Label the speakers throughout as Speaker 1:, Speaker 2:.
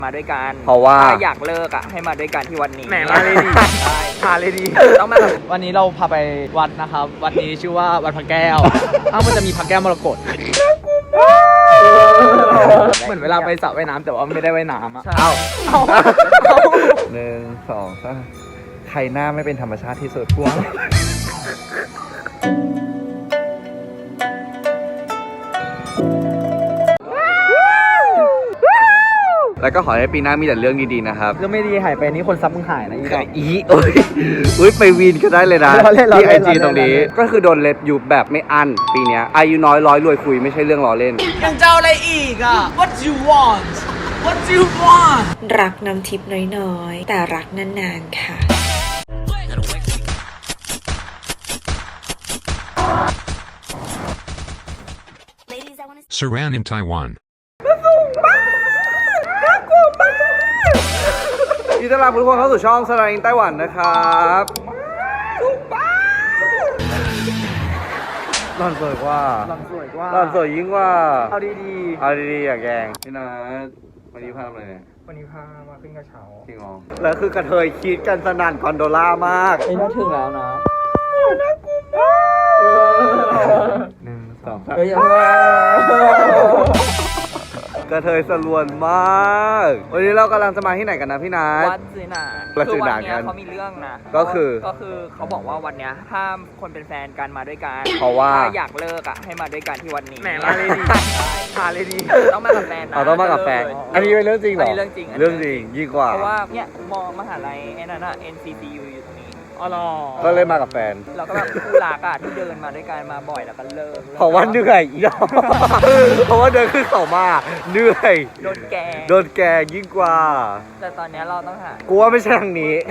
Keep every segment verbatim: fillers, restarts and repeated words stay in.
Speaker 1: มาด้วยกัน
Speaker 2: เพราะว่า
Speaker 1: อยากเลิกอ่ะให้มาด้วยกันที่วันนี้
Speaker 3: แหมมาเลยดีมาเลยดี
Speaker 1: ต้องมา
Speaker 3: วันนี้เราพาไปวัดนะครับวัดนี้ชื่อว่าวัดพระแก้วอ้าวมันจะมีพระแก้วมรกตเหมือนเวลาไปสระว่ายน้ำแต่ว่าไม่ได้ว่ายน้ำอ่ะ
Speaker 2: เอาหนึ่งสองสามใครหน้าไม่เป็นธรรมชาติที่สุดพวกแล้วก็ขอให้ปีหน้ามีแต่เรื่องดีๆนะครับ
Speaker 3: เรื่องไม่ดีหายไปนี่คนซับมึงหายนะอีดอก
Speaker 2: อีโอ้ยอุ้ยไปวีนก็ได้เลยนะที่ไอจีตรงนี้ก็คือโดนเล็บอยู่แบบไม่อั้นปีนี้อายุน้อยร้อยรวยคุยไม่ใช่เรื่องล้อเล่น
Speaker 3: ยังเจ้าอะไรอีกอ่ะ What do you want What do you want
Speaker 4: รักน้ำทิพย์น้อยๆแต่รักนานๆค่ะ
Speaker 5: Saran in Taiwan
Speaker 2: ยินดีต้อนรับทุกคนเข้าสู่ช่องสไลน์ไต้หวันนะครับหล่อนสวยกว่า
Speaker 3: หล่อนสวยกว่า
Speaker 2: หล่อนสวยยิ่งกว่า
Speaker 3: เอาดี
Speaker 2: ๆเอาดีๆอย่าแกงพี่นัทวันนี้พาทำอะไรเนี่ย
Speaker 3: วันนี้พามาขึ้นกระเช้า
Speaker 2: จริงเหรอแล้วคือกระเทยคิดกันสนั่นคอนโดล่ามาก
Speaker 3: ไอ้น่าถึงแล้วนะ
Speaker 2: หนึ่งสอง
Speaker 3: เฮ้ย
Speaker 2: กระเทยสลวนมากวันนี้เรากำลังจะมาที่ไหนกันนะพี่นัท
Speaker 1: วัดซื้อหนาคือวันนี้เขามีเรื่องนะ
Speaker 2: ก็คือ
Speaker 1: ก็คือเขาบอกว่าวันนี้ห้ามคนเป็นแฟนกันมาด้วยกัน
Speaker 2: เพราะว่า
Speaker 1: อยากเลิกอ่ะให้มาด้วยกันที่วันนี้
Speaker 3: แหมมาเลยดีมาเลยดี
Speaker 1: ต้องมากับแฟนนะ
Speaker 2: ต้องมากับแฟนอันนี้เป็นเรื่องจริงเหรอ
Speaker 1: เรื่องจริง
Speaker 2: เรื่องจริงยิ่งกว่า
Speaker 1: เพราะว่าเนี่ยมอมหาลัยไอ้นั่นน่ะ เอ็น ซี ที ยู อยู่ตรงนี้
Speaker 3: อ๋อเหรอ
Speaker 2: ก็เลยมากับแฟน
Speaker 1: เราก็แบบคู่รักอ่ะที่เดินมาด้วยกันมาบ่อยแล้วก็เลิก
Speaker 2: เพราะว่าเหนื่อยอีกเพราะว่าเดินขึ้นเขามาเหนื่อย
Speaker 1: โดนแก
Speaker 2: โดนแกยิ่งกว่า
Speaker 1: แต่ตอนนี้เราต้องหา
Speaker 2: กูว่าไม่ใช่ทางนี้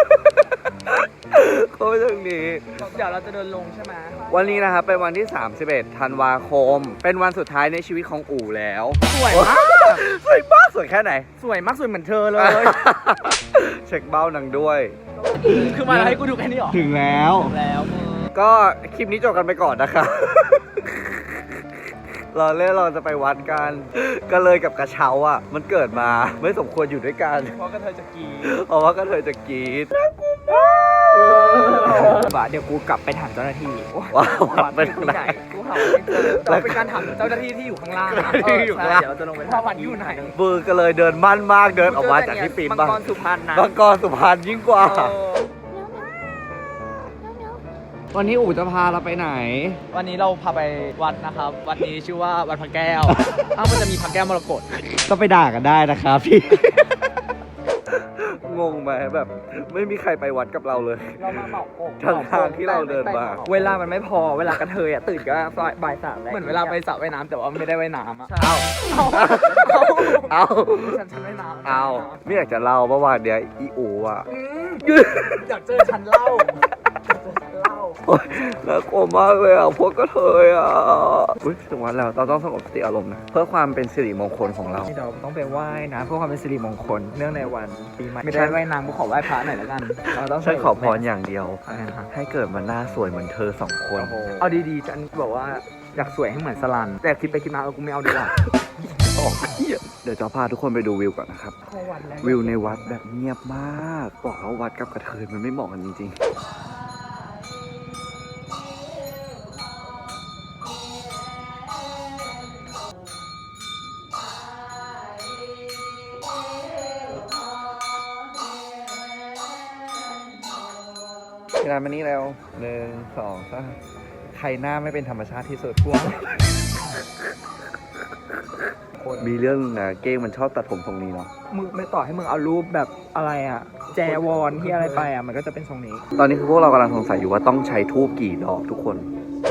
Speaker 2: กูไม่ใช่ทางนี้
Speaker 3: เดี๋ยวเราจะเดินลงใช่ไหม
Speaker 2: วันนี้นะครับเป็นวันที่สามสิบเอ็ดธันวาคมเป็นวันสุดท้ายในชีวิตของอู่แล้ว
Speaker 3: สวยมาก
Speaker 2: สวยมากสวยแค่ไหน
Speaker 3: สวยมากสวยเหมือนเธอเลย
Speaker 2: เช็คเบ้านังด้วย
Speaker 3: คือมาให้กูดูแค่นี้หรอ
Speaker 2: ถึงแล้ว
Speaker 3: ถึงแล้ว
Speaker 2: ก็คลิปนี้จบกันไปก่อนนะคะเราเล่นเราจะไปวัดกันก็เลยกับกระเช้าอ่ะมันเกิดมาไม่สมควรอยู่ด้วยกัน
Speaker 3: เพราะกระเทยจะกีด
Speaker 2: เพราะว่ากระเทยจะกีด
Speaker 1: บ่าเดี๋ยวกูกลับไปถามเจ้าหน้าที่
Speaker 2: ว้าวไปทางไหน
Speaker 1: กูหาไม่เจอ
Speaker 3: แต่เป็นการถามเจ้าหน้าที่ที่อยู่ข้างล่าง
Speaker 2: ที่อยู่ข้างล่าง
Speaker 1: เดี๋ยวเราจะลงไป
Speaker 3: ว่าวัดอยู่ไหน
Speaker 2: บือก็เลยเดินมั่นมากเดินออกมาจากที่ปีนบ้าง
Speaker 1: มังกรสุพรรณนะ
Speaker 2: มังกรสุพรรณยิ่งกว่าวันนี้อู๋จะพาเราไปไหน
Speaker 3: วันนี้เราพาไปวัดนะครับวัดนี้ชื่อว่าวัดพระแก้วอ้าวมันจะมีพระแก้วมรกต
Speaker 2: ก็ไปด่ากันได้นะครับพี่งงไหมแบบไม่มีใครไปวัดกับเราเลย
Speaker 3: เรามาเหมาอก
Speaker 2: ทางทางที่เราเดินมา
Speaker 1: เวลามันไม่พอเวลากระเทยอ่ะตื่นก็บ่ายสาม
Speaker 3: เหมือนเวลาไปสระว่ายน้ำแต่ว่าไม่ได้ว่ายน้ำอ่ะ
Speaker 2: เอาเอา
Speaker 3: ฉันฉันว่ายน้ำ
Speaker 2: เอาไม่อยากจะเล่าเมื่อวานเดียวอีอูอ่ะ
Speaker 3: อยากเจอฉันเล่า
Speaker 2: น่ากลัวมากเลยอ่ะพวกกระเทยอ่ะอุ้ยถึงวันแล้วเราต้องสงบสติอารมณ์นะเพื่อความเป็นสิริมงคลของเรา
Speaker 3: เราต้องไปไหว้นะเพื่อความเป็นสิริมงคลเนื่องในวันปีใหม่ไม่ได้ไหว้นางกูขอไหว้พระหน่อยแล้วกัน
Speaker 2: เราต้องฉันขอพรอย่างเดียวให้เกิดมาหน้าสวยเหมือนเธอสองคน
Speaker 3: เอาดีๆฉันบอกว่าอยากสวยให้เหมือนสลันแต่คิดไปคิดมาเออกูไม่เอาดีกว่า
Speaker 2: เดี๋ยวจะพาทุกคนไปดูวิวก่อนนะครับวิวในวัดแบบเงียบมากบอกแล้ววัดกับกระเทยมันไม่เหมาะกันจริงๆเวลามานี่แล้วหนึ่งสองสามใครหน้าไม่เป็นธรรมชาติที่สุดพวกมีเรื่องนะเก้งมันชอบตัดผมทรงนี้เนาะ
Speaker 3: มึงไม่ต่อให้มึงเอารูปแบบอะไรอะแจวอนที่อะไรไปอะมันก็จะเป็นทรงนี้
Speaker 2: ตอนนี้คือพวกเรากำลังสงสัยอยู่ว่าต้องใช้ธูปกี่ดอกทุกคน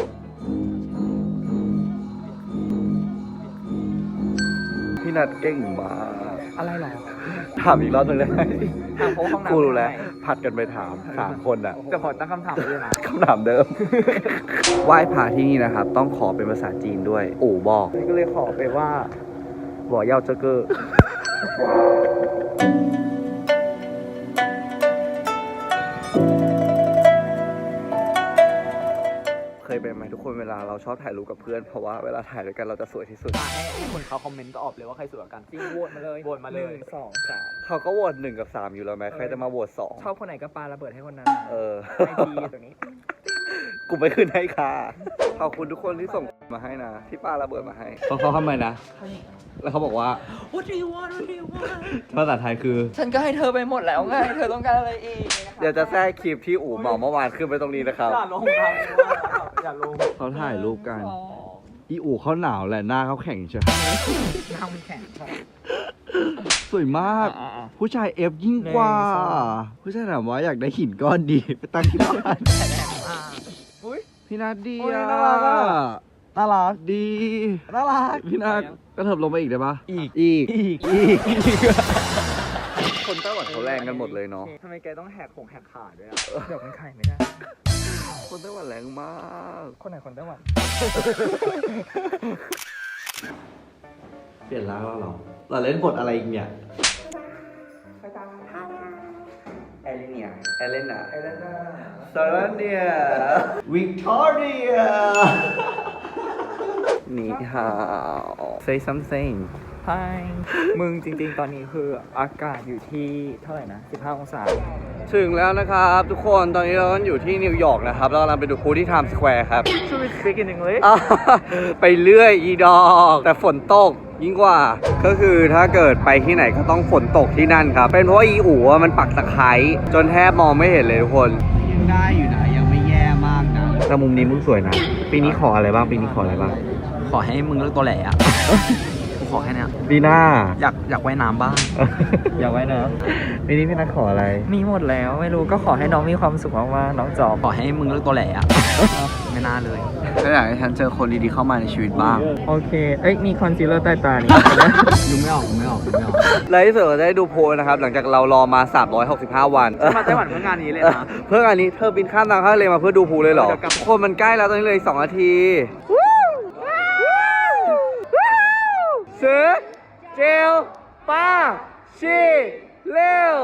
Speaker 2: พี่นัทเก่งมาก
Speaker 3: อะไรหรอ
Speaker 2: ถามอีกรอบนึงเลย
Speaker 1: ถามเขาห้องน้ำ
Speaker 2: กูรู้แล้วผัดกันไปถามสามคนอ่ะ
Speaker 3: จะขอตั้งคำถามด้วยนะ
Speaker 2: คำถามเดิมไหว้พระที่นี่นะครับต้องขอเป็นภาษาจีนด้วยอู่บอก
Speaker 3: ก็เลยขอไปว่าบ่อเยาเจเกอร์
Speaker 2: เคยไปไหมทุกคนเวลาเราชอบถ่ายรูปกับเพื่อนเพราะว่าเวลาถ่ายด้วยกันเราจะสวยที่สุด
Speaker 3: อ่ะให้ให้คนเขาคอมเมนต์ตอบเลยว่าใครสวยกว่ากัน
Speaker 1: จริงโหวตมาเลย
Speaker 3: โหวตมาเลย
Speaker 1: หนึ่งสองสาม
Speaker 2: เขาก็โหวตหนึ่งกับสามอยู่แล้วไหมใครจะมาโหวตสอง
Speaker 1: ชอบคนไหนก็ปาระเบิดให้คนนั้น
Speaker 2: เออ
Speaker 1: ไอจีตรงนี้
Speaker 2: กูไม่ขึ้นให้ค่ะขอบคุณทุกคนที่ส่งมาให้นะ ที่ป้าระเบิดมาให้เขาเขาทำไมนะ แล้วเขาบอกว่า
Speaker 1: What do you want What do you want
Speaker 2: ภาษาไทยคือ
Speaker 1: ฉันก็ให้เธอไปหมดแล้วไง เธอต้องการอะไรอีก
Speaker 2: เดี๋ยวจะแทรกคลิปที่อู่เหมาเมื่อวานขึ้นไปตรงนี้นะครับ
Speaker 3: อย่าลงทางอย่าลง
Speaker 2: เขาถ่ายรูปกัน อีอู่เขาหนาวแหละหน้าเขาแข็งเชียว
Speaker 1: หน้ามันแข็งครับ
Speaker 2: สวยมาก
Speaker 1: อ่า
Speaker 2: ผู้ชายเอฟยิ่งกว่า
Speaker 1: หนึ่งสอง
Speaker 2: ผู้ชายถามว่าอยากได้หินก้อนดีไปตั้งที่บ้าน
Speaker 1: อ่าอุ้ย
Speaker 2: พี่นัทดี
Speaker 1: โอ้ย
Speaker 2: อ่ะ
Speaker 1: น่ารักอะ
Speaker 2: น่ารักดี
Speaker 1: น่ารัก
Speaker 2: พี่นัทกระเถิบลงไปอีกได้ปะ
Speaker 1: อีก
Speaker 2: อีก
Speaker 1: อีก
Speaker 2: อีก คนไต้หวันเขาแรงกันหมดเลยเนาะ
Speaker 3: ทำไมแกต้องแหกของแหกขาด้วยอ่ะ
Speaker 1: เดี๋ยวมันไข่ไม่ได้
Speaker 2: คนไต้หวันแรงมาก
Speaker 1: คนไหนคนไต้หวัน
Speaker 2: เปลี่ยนร่างแล้วเหรอเราเล่นบทอะไรอีกเนี่ยเอเลเนียเอเลนาเอเลนาซาราเนียวิกตอเรียนี่ฮาว say something
Speaker 1: Hi มึงจริงๆ ตอนนี้คืออากาศอยู่ที่เท่าไหร่นะ สิบห้า องศา
Speaker 2: ถึงแล้วนะครับทุกคนตอนนี้เราอยู่ที่นิวยอร์กนะครับเรากำลังไปดูพูลที่ไทม์สแควร์ครับ
Speaker 1: Should we speak in English
Speaker 2: อ่ะไปเรื่อยอีดอก แต่ฝนตกยิ่งกว่า ก็คือถ้าเกิดไปที่ไหนก็ต้องฝนตกที่นั่นครับ เป็นเพราะว่าอีอู๋อะมันปักตะไคร้จนแทบมองไม่เห็นเลยทุกคนยังได้อยู่นะยังไม่แย่มากนะแต่มุมนี้มึงสวยนะปีนี้ขออะไรบ้างปีนี้ขออะไรบ้าง
Speaker 3: ขอให้มึงเลิกตัวแหล่อะกูขอแค่เนี้ย
Speaker 2: ปีหน้า
Speaker 3: อยากอยากว่ายน้ำบ้าง
Speaker 1: อยากไว้นะ
Speaker 2: ปีนี้พี่นัทขออะไร
Speaker 1: มีหมดแล้วไม่รู้ก็ขอให้น้องมีความสุขมากๆน้องจอบ
Speaker 3: ขอให้มึงเลิกตัวแหล่อะไม่น่าเลย
Speaker 2: ก็อยากให้ฉันเจอคนดีๆเข้ามาในชีวิตบ้าง
Speaker 1: โอเค เอ้ย มีคอนซีลเลอร์ใต้ตานี่
Speaker 3: ดูไม่ออกดูไม่ออกดูไม่ออก
Speaker 2: และที่สุดก็ได้ดูโพลนะครับ หลังจากเรารอมาสามร้อยหกสิบห้าวัน
Speaker 3: มาไต้หวันเพื่องานนี้เลยนะ
Speaker 2: เพื่องานนี้เธอบินข้ามทางทะเลมาเพื่อดูโพลเลยเหรอ
Speaker 3: เดี๋ยวกลับ
Speaker 2: คนมันใกล้แล้วตอนนี้เลยสองนาทีซื้อเจลป้าชีเร็ว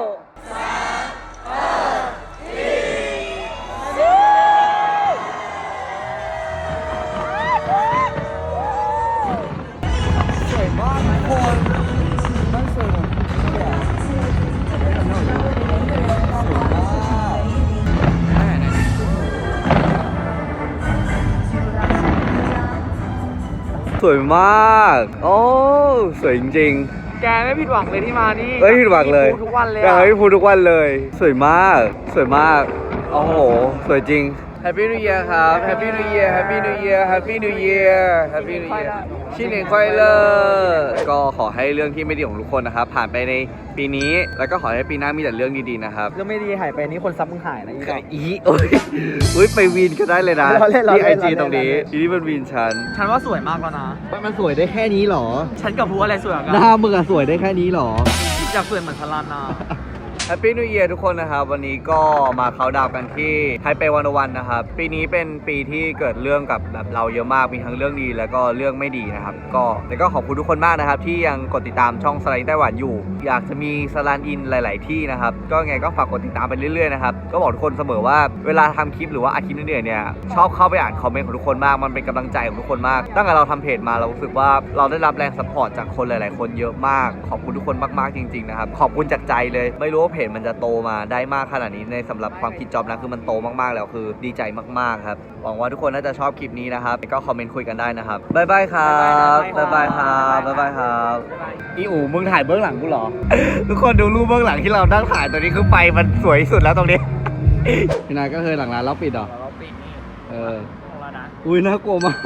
Speaker 2: สวยมาก โอ้ สวยจริงๆ
Speaker 3: แกไม่ผิดหวังเลยที่มานี่
Speaker 2: เอ้ยผิดหวังเลย
Speaker 3: มีทุกวันเลย
Speaker 2: อยาก
Speaker 3: อะ
Speaker 2: ให้พูดทุกวันเลย สวยมาก สวยมาก โอ้โห สวยจริง Happy New Year ครับ Happy New Year Happy New Year Happy New Year Happy New Year ชินเองค่อยเลิกก็ขอให้เรื่องที่ไม่ดีของทุกคนนะครับ ผ่านไปในปีนี้ แล้วก็ขอให้ปีหน้ามีแต่เรื่องดีๆนะครับ
Speaker 3: เรื่องไม่ดีหายไปนี่คนซับมึงหายนะอีก
Speaker 2: อีโอ้ยอุ้ยไปวีนก็ได้เลยนะ
Speaker 3: ล้อเล่นล้อ
Speaker 2: ที่
Speaker 3: เล่
Speaker 2: ไอน จี
Speaker 3: ล้อเล่น
Speaker 2: ตรงนี้
Speaker 3: ล้อเล่น
Speaker 2: ทีนี้มันวีนฉัน
Speaker 3: ฉันว่าสวยมากแล้วนะ
Speaker 2: มันสวยได้แค่นี้หรอ
Speaker 3: ฉันกับพูอะไรสวยกว่ากั
Speaker 2: หน้ามึงอะสวยได้แค่นี้หรอ
Speaker 3: อยากสวยเหมือนพลานา
Speaker 2: แฮปปี้นิว e ย r ทุกคนนะครับ วันนี้ก็มาเขาน์ดาวน์กันที่ไทเปวันวันนะครับ ปีนี้เป็นปีที่เกิดเรื่องกับแบบเราเยอะมาก มีทั้งเรื่องดีแล้วก็เรื่องไม่ดีนะครับ ก็แต่ก็ขอบคุณทุกคนมากนะครับ ที่ยังกดติดตามช่องสไลด์ไต้หวันอยู่ อยากจะมีสไลด์อินหลาย ๆ ที่นะครับ ก็ไงก็ฝากกดติดตามไปเรื่อย ๆ นะครับ ก็บอกทุกคนเสมอว่าเวลาทำคลิปหรือว่าอาคลิปเหนื่อยๆเนี่ยชอบเข้าไปอ่านคอมเมนต์ของทุกคนมากมันเป็นกำลังใจของทุกคนมากตั้งแต่เราทำเพจมาเรารู้สึกว่าเราได้รับแรงซัพพอร์ตจากคนหลาย ๆ คนเยอะมากขอบคุณทุกคนมาก ๆ จริง ๆ นะครับขอบคุณจากใจเลยไม่รู้ว่าเพจมันจะโตมาได้มากขนาดนี้ในสำหรับความคิดจอบนะคือมันโตมากๆแล้วคือดีใจมากๆครับหวังว่าทุกคนน่าจะชอบคลิปนี้นะครับก็คอมเมนต์คุยกันได้นะครับบ๊ายบายครับบ๊ายบายครับบ๊ายบายครับอีอูมึงถ่ายเบื้องหลังกูเหรอ ทุกคนดูรูปเบื้องหลังที่เรานั่งถ่ายตัวนี้คือไฟมันสวยที่สุดแล้วตรงนี้พี่นายก็เคยหลังร้านเราปิดเหรอ
Speaker 1: เราปิดนี่
Speaker 2: เออ
Speaker 1: ของเรานะ
Speaker 2: อุ้ยน่ากลัวมาก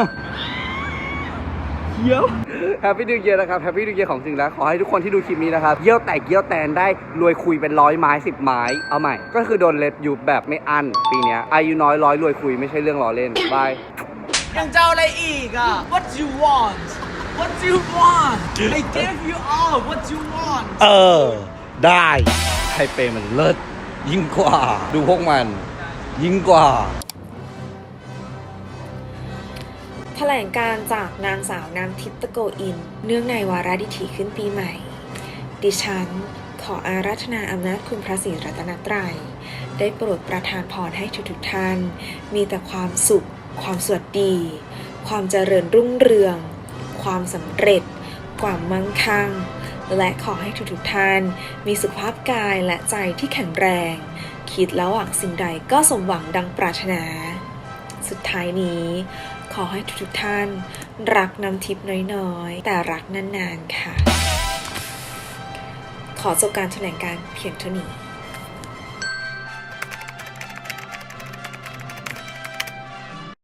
Speaker 2: เยี่ยวแฮปปี้นิวเยียร์นะครับแฮปปี้นิวเยียร์ของจริงแล้วขอให้ทุกคนที่ดูคลิปนี้นะครับเยี่ยวแตกเยี่ยวแตนได้รวยคุยเป็นร้อยไม้สิบไม้เอาใหม่ก็คือโดนเล็บอยู่แบบไม่อั้นปีเนี้ยอายุน้อยร้อยรวยคุยไม่ใช่เรื่องล้อเล่นบาย
Speaker 3: ยังจะเอาอะไรอีกอ่ะ What you want What you want I gave you all What you want
Speaker 2: เออได้ไทเปมันเลิศยิ่งกว่าดูพวกมันยิ่งกว่า
Speaker 4: แถลงการจากนางสาวน้ำทิพย์ตะโกอิน เนื่องในวาระดิถีขึ้นปีใหม่ ดิฉันขออาราธนาอำนาจคุณพระศรีรัตนตรัยได้โปรดประทานพรให้ทุกๆท่าน มีแต่ความสุขความสวัสดี ความเจริญรุ่งเรือง ความสำเร็จ ความมั่งคั่ง และขอให้ทุกๆท่านมีสุขภาพกายและใจที่แข็งแรง คิดแล้วหวังสิ่งใดก็สมหวังดังปรารถนา สุดท้ายนี้ขอให้ทุกๆท่านรักน้ำทิพย์น้อยๆแต่รักนานๆค่ะ ขอจบการแถลงการณ์เพียงเท่านี้